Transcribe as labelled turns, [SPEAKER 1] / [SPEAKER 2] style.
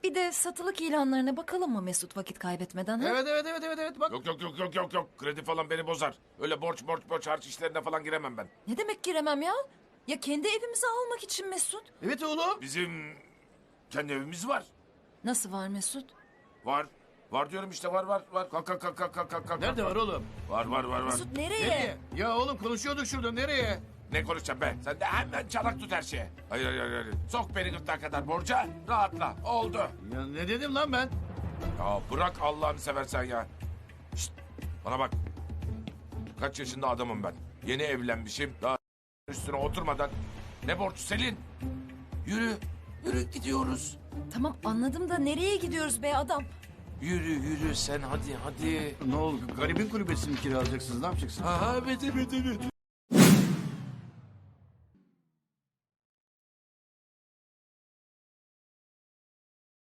[SPEAKER 1] Bir de satılık ilanlarına bakalım mı Mesut vakit kaybetmeden? Ha?
[SPEAKER 2] Evet bak.
[SPEAKER 3] Yok. Kredi falan beni bozar. Öyle borç harç işlerine falan giremem ben.
[SPEAKER 1] Ne demek giremem ya? Ya kendi evimizi almak için Mesut.
[SPEAKER 2] Evet oğlum.
[SPEAKER 3] Bizim kendi evimiz var.
[SPEAKER 1] Nasıl var Mesut?
[SPEAKER 3] Var. Var diyorum işte var. Kalk.
[SPEAKER 2] Nerede var oğlum?
[SPEAKER 3] Var.
[SPEAKER 1] Mesut nereye?
[SPEAKER 2] Nereye? Ya oğlum konuşuyorduk şurada, nereye?
[SPEAKER 3] Ne konuşacağım be? Sen de hemen çanak tut her şeye. Hayır. Sok beni gırtlağa kadar borca. Rahatla. Oldu.
[SPEAKER 2] Ya ne dedim lan ben?
[SPEAKER 3] Ya bırak Allah'ını seversen ya. Şişt, bana bak. Kaç yaşında adamım ben. Yeni evlenmişim. Daha üstüne oturmadan. Ne borç Selin? Yürü gidiyoruz.
[SPEAKER 1] Tamam anladım da nereye gidiyoruz be adam?
[SPEAKER 3] Yürü sen hadi.
[SPEAKER 2] Ne oldu? Garibin kulübesini kiralayacaksınız, ne yapacaksınız?
[SPEAKER 3] Ha evet.